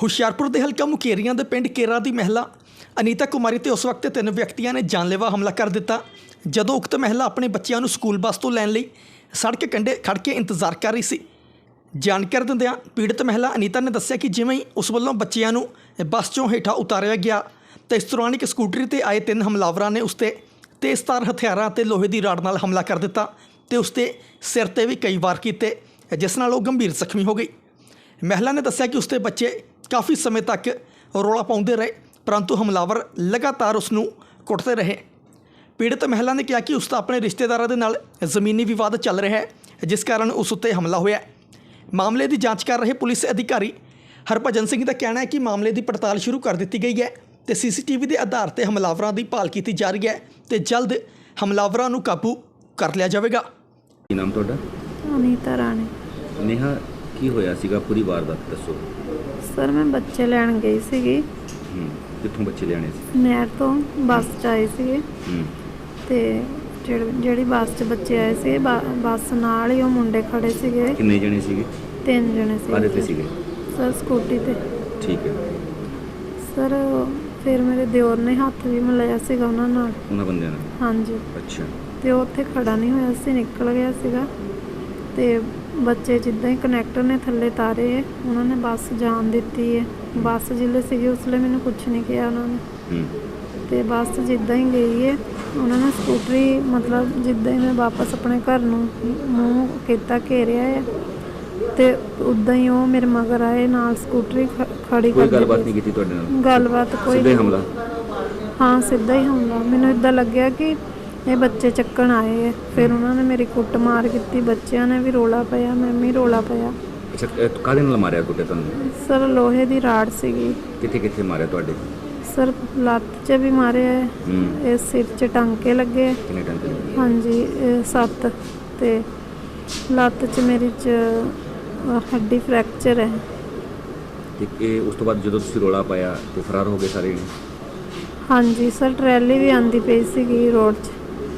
ਹੁਸ਼ਿਆਰਪੁਰ ਦੇ ਹਲਕਾ ਮੁਕੇਰੀਆਂ ਦੇ ਪਿੰਡ ਕੇਰਾ ਦੀ ਮਹਿਲਾ ਅਨੀਤਾ ਕੁਮਾਰੀ ਤੇ ਉਸ ਵਕਤ 3 ਵਿਅਕਤੀਆਂ ਨੇ ਜਾਨਲੇਵਾ ਹਮਲਾ ਕਰ ਦਿੱਤਾ। ਜਦੋਂ ਉਕਤ ਮਹਿਲਾ ਆਪਣੇ ਬੱਚਿਆਂ ਨੂੰ ਸਕੂਲ ਬੱਸ ਤੋਂ ਲੈਣ ਲਈ ਸੜਕ ਕੰਢੇ ਖੜ੍ਹ ਕੇ ਇੰਤਜ਼ਾਰ ਕਰ ਰਹੀ ਸੀ। ਜਾਣਕਾਰੀ ਦਿੰਦਿਆਂ ਪੀੜਤ ਮਹਿਲਾ ਅਨੀਤਾ ਨੇ ਦੱਸਿਆ ਕਿ ਜਿਵੇਂ ਹੀ ਉਸ ਵੱਲੋਂ ਬੱਚਿਆਂ ਨੂੰ ਬੱਸ 'ਚੋਂ ਹੇਠਾਂ ਉਤਾਰਿਆ ਗਿਆ ਤਾਂ ਇਸ ਦੌਰਾਨ ਇੱਕ ਸਕੂਟਰੀ 'ਤੇ ਆਏ 3 ਹਮਲਾਵਰਾਂ ਨੇ ਉਸ 'ਤੇ ਤੇਜ਼ਧਾਰ ਹਥਿਆਰਾਂ ਅਤੇ ਲੋਹੇ ਦੀ ਰਾਡ ਨਾਲ ਹਮਲਾ ਕਰ ਦਿੱਤਾ ਤੇ ਉਸ 'ਤੇ ਸਿਰ 'ਤੇ ਵੀ ਕਈ ਵਾਰ ਕੀਤੇ, ਜਿਸ ਨਾਲ ਉਹ ਗੰਭੀਰ ਜ਼ਖਮੀ ਹੋ ਗਈ। ਮਹਿਲਾ ਨੇ ਦੱਸਿਆ ਕਿ ਉਸ ਦੇ ਬੱਚੇ ਕਾਫੀ ਸਮੇਂ ਤੱਕ ਰੌਲਾ ਪਾਉਂਦੇ ਰਹੇ, ਪਰੰਤੂ ਹਮਲਾਵਰ ਲਗਾਤਾਰ ਉਸ ਨੂੰ ਕੁੱਟਦੇ ਰਹੇ। ਪੀੜਤ ਮਹਿਲਾ ਨੇ ਕਿਹਾ ਕਿ ਉਸ ਦਾ ਆਪਣੇ ਰਿਸ਼ਤੇਦਾਰਾਂ ਦੇ ਨਾਲ ਜ਼ਮੀਨੀ ਵਿਵਾਦ ਚੱਲ ਰਿਹਾ ਹੈ, ਜਿਸ ਕਾਰਨ ਉਸ ਉੱਤੇ ਹਮਲਾ ਹੋਇਆ। ਮਾਮਲੇ ਦੀ ਜਾਂਚ ਕਰ ਰਹੇ ਪੁਲਿਸ ਅਧਿਕਾਰੀ ਹਰਭਜਨ ਸਿੰਘ ਦਾ ਕਹਿਣਾ ਹੈ ਕਿ ਮਾਮਲੇ ਦੀ ਪੜਤਾਲ ਸ਼ੁਰੂ ਕਰ ਦਿੱਤੀ ਗਈ ਹੈ ਤੇ CCTV ਦੇ ਆਧਾਰ ਤੇ ਹਮਲਾਵਰਾਂ ਦੀ ਭਾਲ ਕੀਤੀ ਜਾ ਰਹੀ ਹੈ ਤੇ ਜਲਦ ਹਮਲਾਵਰਾਂ ਨੂੰ ਕਾਬੂ ਕਰ ਲਿਆ ਜਾਵੇਗਾ। ਕੀ ਨਾਮ ਤੁਹਾਡਾ? ਅਨੀਤਾ ਰਾਣੀ। ਨੇਹਾ, ਕੀ ਹੋਇਆ ਸੀਗਾ? ਪੂਰੀ ਵਾਰਦਾਤ ਦੱਸੋ। ਸਰ ਮੈਂ ਬੱਚੇ ਲੈਣ ਗਈ ਸੀਗੀ। ਕਿੱਥੋਂ ਬੱਚੇ ਲਿਆਣੇ ਸੀ? ਨਹਿਰ ਤੋਂ ਬੱਸ 'ਚ ਆਏ ਸੀਗੇ ਤੇ ਜਿਹੜੀ ਬੱਸ 'ਚ ਬੱਚੇ ਆਏ ਸੀ ਬੱਸ ਨਾਲ ਹੀ ਉਹ ਮੁੰਡੇ ਖੜੇ ਸੀਗੇ। ਕਿੰਨੇ ਜਣੇ ਸੀਗੇ? 3 ਜਣੇ ਕਾਹਦੇ ਤੇ ਸੀਗੇ ਸੀਗੇ? ਸਰ ਸਕੂਟੀ ਤੇ। ਠੀਕ ਹੈ ਸਰ ਫਿਰ ਮੇਰੇ ਦਿਓਰ ਨੇ ਹੱਥ ਵੀ ਮਿਲਾਇਆ ਸੀਗਾ ਉਹਨਾਂ ਨਾਲ। ਉਹਨਾਂ ਬੰਦਿਆਂ ਨਾਲ? ਹਾਂਜੀ। ਅੱਛਾ। ਤੇ ਉਹ ਉੱਥੇ ਖੜਾ ਨਹੀਂ ਹੋਇਆ ਸੀ, ਨਿਕਲ ਗਿਆ ਸੀਗਾ ਤੇ ਬੱਚੇ ਜਿੱਦਾਂ ਹੀ ਕਨੈਕਟਰ ਨੇ ਥੱਲੇ ਤਾਰੇ ਉਹਨਾਂ ਨੇ ਬੱਸ ਜਾਣ ਦਿੱਤੀ ਹੈ। ਬੱਸ ਜਿੱਲੇ ਸੀਗੀ ਉਸ ਵੇਲੇ ਮੈਨੂੰ ਕੁਛ ਨਹੀਂ ਕਿਹਾ ਉਹਨਾਂ ਨੇ ਤੇ ਬੱਸ ਜਿੱਦਾਂ ਹੀ ਗਈ ਹੈ ਉਹਨਾਂ ਨੇ ਸਕੂਟਰੀ ਮਤਲਬ ਜਿੱਦਾਂ ਹੀ ਮੈਂ ਵਾਪਸ ਆਪਣੇ ਘਰ ਨੂੰ ਮੂੰਹ ਕੀਤਾ ਘੇਰਿਆ ਹੈ ਤੇ ਉੱਦਾਂ ਹੀ ਉਹ ਮੇਰੇ ਮਗਰ ਆਏ ਨਾਲ ਸਕੂਟਰੀ ਖੜੀ ਕਰ ਦਿੱਤੀ। ਕੋਈ ਗੱਲਬਾਤ ਨਹੀਂ ਕੀਤੀ ਤੁਹਾਡੇ ਨਾਲ? ਗੱਲਬਾਤ ਕੋਈ ਸਿੱਧਾ ਹੀ ਹਮਲਾ? ਹਾਂ ਸਿੱਧਾ ਹੀ ਹਮਲਾ। ਮੈਨੂੰ ਇੱਦਾਂ ਲੱਗਿਆ ਕਿ ਇਹ ਬੱਚੇ ਚੱਕਣ ਆਏ ਹੈ। ਫਿਰ ਉਹਨਾਂ ਨੇ ਮੇਰੀ ਕੁੱਟ ਮਾਰ ਕੀਤੀ, ਬੱਚਿਆਂ ਨੇ ਵੀ ਰੋਲਾ ਪਾਇਆ, ਮੈਂ ਵੀ ਰੋਲਾ ਪਾਇਆ। ਅੱਛਾ, ਕਾਹਦੇ ਨਾਲ ਮਾਰਿਆ ਕੁੱਟੇ ਤੁਹਾਨੂੰ? ਸਰ ਲੋਹੇ ਦੀ ਰਾੜ ਸੀਗੀ। ਕਿੱਥੇ ਕਿੱਥੇ ਮਾਰਿਆ ਤੁਹਾਡੇ? ਸਰ ਲੱਤ 'ਚ ਵੀ ਮਾਰਿਆ ਹੈ, ਇਹ ਸਿਰ 'ਚ ਟਾਂਕੇ ਲੱਗੇ। ਕਿੰਨੇ ਟਾਂਕੇ ਲੱਗੇ? ਹਾਂਜੀ 7 ਤੇ ਲੱਤ 'ਚ ਮੇਰੀ 'ਚ ਹੱਡੀ ਫ੍ਰੈਕਚਰ ਹੈ। ਤੇ ਇਹ ਉਸ ਤੋਂ ਬਾਅਦ ਜਦੋਂ ਤੁਸੀਂ ਰੋਲਾ ਪਾਇਆ ਤੇ ਫਰਾਰ ਹੋ ਗਏ ਸਾਰੇ? ਹਾਂਜੀ ਸਰ ਟਰੈਲੀ ਵੀ ਆਂਦੀ ਪਈ ਸੀਗੀ ਰੋਡ 'ਚ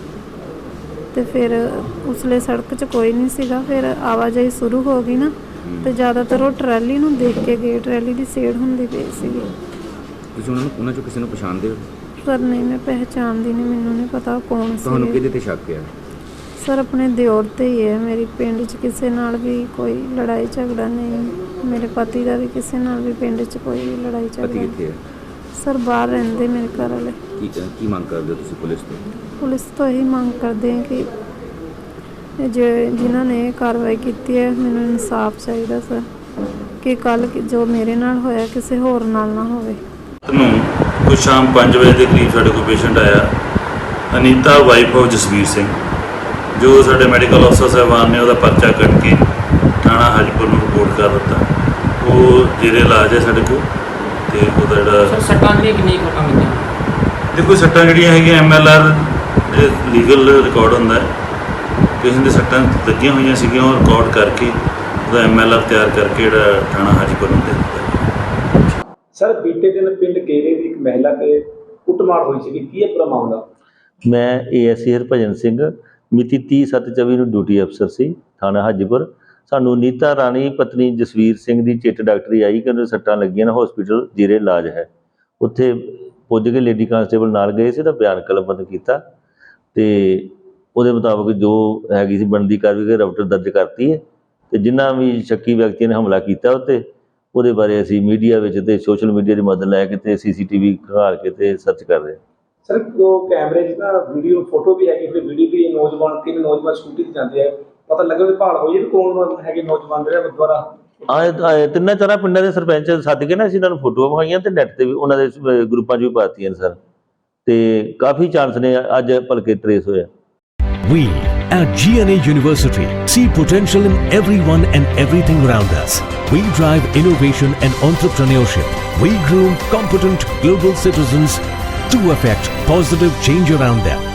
ਤੇ ਫਿਰ ਉਸਲੇ ਸੜਕ 'ਚ ਕੋਈ ਨਹੀਂ ਸੀਗਾ। ਫਿਰ ਆਵਾਜਾਈ ਸ਼ੁਰੂ ਹੋ ਗਈ ਨਾ ਤੇ ਜ਼ਿਆਦਾਤਰ ਉਹ ਟਰੈਲੀ ਨੂੰ ਦੇਖ ਕੇ ਗਏ, ਟਰੈਲੀ ਦੀ ਸੇੜ ਹੁੰਦੀ ਪਈ ਸੀਗੀ। ਤੁਸੀਂ ਉਹਨਾਂ ਚੋਂ ਕਿਸੇ ਨੂੰ ਪਛਾਣਦੇ ਹੋ? ਸਰ ਨਹੀਂ ਮੈਂ ਪਹਿਚਾਣਦੀ ਨਹੀਂ, ਮੈਨੂੰ ਨਹੀਂ ਪਤਾ ਕੌਣ ਸੀ। ਤੁਹਾਨੂੰ ਕਿਹਦੇ ਤੇ ਸ਼ੱਕ ਹੈ? ਸਰ ਆਪਣੇ ਦਿਓਰ ਤੇ ਹੀ ਹੈ। ਮੇਰੀ ਪਿੰਡ 'ਚ ਕਿਸੇ ਨਾਲ ਵੀ ਕੋਈ ਲੜਾਈ ਝਗੜਾ ਨਹੀਂ। ਮੇਰੇ ਪਤੀ ਦਾ ਵੀ ਕਿਸੇ ਨਾਲ ਵੀ ਪਿੰਡ 'ਚ ਕੋਈ ਲੜਾਈ ਝਗੜਾ ਪਤੀ ਕਿੱਥੇ ਹੈ? ਸਰ ਬਾਹਰ ਰਹਿੰਦੇ ਮੇਰੇ ਘਰ ਵਾਲੇ। ਕੀ ਮੰਗ ਕਰਦੇ ਹੋ ਤੁਸੀਂ ਪੁਲਿਸ ਤੋਂ? ਪੁਲਿਸ ਤੋਂ ਇਹੀ ਮੰਗ ਕਰਦੇ ਹਾਂ ਕਿ ਜਿਨ੍ਹਾਂ ਨੇ ਇਹ ਕਾਰਵਾਈ ਕੀਤੀ ਹੈ ਮੈਨੂੰ ਇਨਸਾਫ ਚਾਹੀਦਾ ਸਰ, ਕਿ ਕੱਲ੍ਹ ਜੋ ਮੇਰੇ ਨਾਲ ਹੋਇਆ ਕਿਸੇ ਹੋਰ ਨਾਲ ਨਾ ਹੋਵੇ। ਨੂੰ ਕੁਝ ਸ਼ਾਮ 5 ਵਜੇ ਦੇ ਕਰੀਬ ਸਾਡੇ ਕੋਲ ਪੇਸ਼ੈਂਟ ਆਇਆ, ਅਨੀਤਾ ਵਾਈਫ ਆਫ ਜਸਵੀਰ ਸਿੰਘ, ਜੋ ਸਾਡੇ ਮੈਡੀਕਲ ਅਫਸਰ ਸਾਹਿਬਾਨ ਨੇ ਉਹਦਾ ਪਰਚਾ ਕੱਟ ਕੇ ਥਾਣਾ ਹਾਜੀਪੁਰ ਨੂੰ ਰਿਪੋਰਟ ਕਰ ਦਿੱਤਾ। ਉਹ ਜਿਹੜੇ ਇਲਾਜ ਹੈ ਸਾਡੇ ਕੋਲ ਤੇ ਉਹਦਾ ਜਿਹੜਾ ਸੱਟਾਂ ਜਿਹੜੀਆਂ ਕਿੰਨੀ ਕੁ ਕੰਮ ਕੀਤੀਆਂ? ਦੇਖੋ ਸੱਟਾਂ ਜਿਹੜੀਆਂ ਹੈਗੀਆਂ MLR ਲੀਗਲ ਰਿਕਾਰਡ ਹੁੰਦਾ ਹੈ, ਕਿਸੇ ਦੇ ਸੱਟਾਂ ਲੱਗੀਆਂ ਹੋਈਆਂ ਸੀਗੀਆਂ ਉਹ ਰਿਕਾਰਡ ਕਰਕੇ ਉਹਦਾ MLR ਤਿਆਰ ਕਰਕੇ ਜਿਹੜਾ ਥਾਣਾ ਹਾਜੀਪੁਰ ਨੂੰ ਦੇ ਦਿੱਤਾ। ਸਰ ਬੀਤੇ ਦਿਨ ਪਿੰਡ ਕੇਰੇ ਦੀ ਇੱਕ ਮਹਿਲਾ ਤੇ ਕੁੱਟਮਾਰ ਹੋਈ ਸੀ, ਕੀ ਹੈ ਪੂਰਾ ਮਾਮਲਾ? ਮੈਂ ASI ਹਰਭਜਨ ਸਿੰਘ ਮਿਤੀ 30/7/24 ਨੂੰ ਡਿਊਟੀ ਅਫਸਰ ਸੀ ਥਾਣਾ ਹਾਜੀਪੁਰ। ਸਾਨੂੰ ਨੀਤਾ ਰਾਣੀ ਪਤਨੀ ਜਸਵੀਰ ਸਿੰਘ ਦੀ ਚਿੱਟ ਡਾਕਟਰੀ ਆਈ ਕਿ ਉਹਨੂੰ ਸੱਟਾਂ ਲੱਗੀਆਂ ਨੇ, ਹਸਪੀਟਲ ਜੀਰੇ ਇਲਾਜ ਹੈ। ਉੱਥੇ ਪੁੱਜ ਕੇ ਲੇਡੀ ਕਾਂਸਟੇਬਲ ਨਾਲ ਗਏ ਸੀ ਤਾਂ ਬਿਆਨ ਕਲਮਬੰਦ ਕੀਤਾ ਤੇ ਉਹਦੇ ਮੁਤਾਬਕ ਜੋ ਹੈਗੀ ਸੀ ਬਣਦੀ ਕਾਰਵਾਈ ਰਿਪੋਰਟ ਦਰਜ ਕਰਤੀ ਹੈ ਤੇ ਜਿਨ੍ਹਾਂ ਵੀ ਸ਼ੱਕੀ ਵਿਅਕਤੀ ਨੇ ਹਮਲਾ ਕੀਤਾ ਉਹਦੇ ਬਾਰੇ ਅਸੀਂ ਮੀਡੀਆ ਵਿੱਚ ਤੇ ਸੋਸ਼ਲ ਮੀਡੀਆ ਦੀ ਮਦਦ ਲੈ ਕੇ ਤੇ CCTV ਖੰਗਾਲ ਕੇ ਤੇ ਸਰਚ ਕਰ ਰਹੇ ਹਾਂ। ਸਰ ਉਹ ਕੈਮਰੇ 'ਚ ਨਾ ਵੀਡੀਓ ਫੋਟੋ ਵੀ ਹੈਗੀ, ਫਿਰ ਵੀਡੀਓ ਵੀ 3 ਨੌਜਵਾਨ ਸਕੂਟੀ 'ਤੇ ਜਾਂਦੇ ਆ, ਪਤਾ ਲੱਗਾ ਵੀ ਭਾਲ ਹੋਈ ਵੀ ਕੌਣ ਹੈਗੇ ਨੌਜਵਾਨ ਜਿਹੜੇ ਦੁਆਰਾ ਆਏ 3-4 ਪਿੰਡਾਂ ਦੇ ਸਰਪੰਚ ਸੱਦ ਕੇ ਨਾ ਅਸੀਂ ਇਹਨਾਂ ਨੂੰ ਫੋਟੋਆਂ ਵਿਖਾਈਆਂ ਤੇ ਨੈੱਟ 'ਤੇ ਵੀ ਉਹਨਾਂ ਦੇ ਗਰੁੱਪਾਂ 'ਚ ਵੀ ਪਾਤੀਆਂ ਨੇ ਸਰ, ਤੇ ਕਾਫੀ ਚਾਂਸ ਨੇ ਅੱਜ ਭਲਕੇ ਟਰੇਸ ਹੋਇਆ। We at GNA University see potential in everyone and everything around us. We drive innovation and entrepreneurship. We groom competent global citizens to affect positive change around them.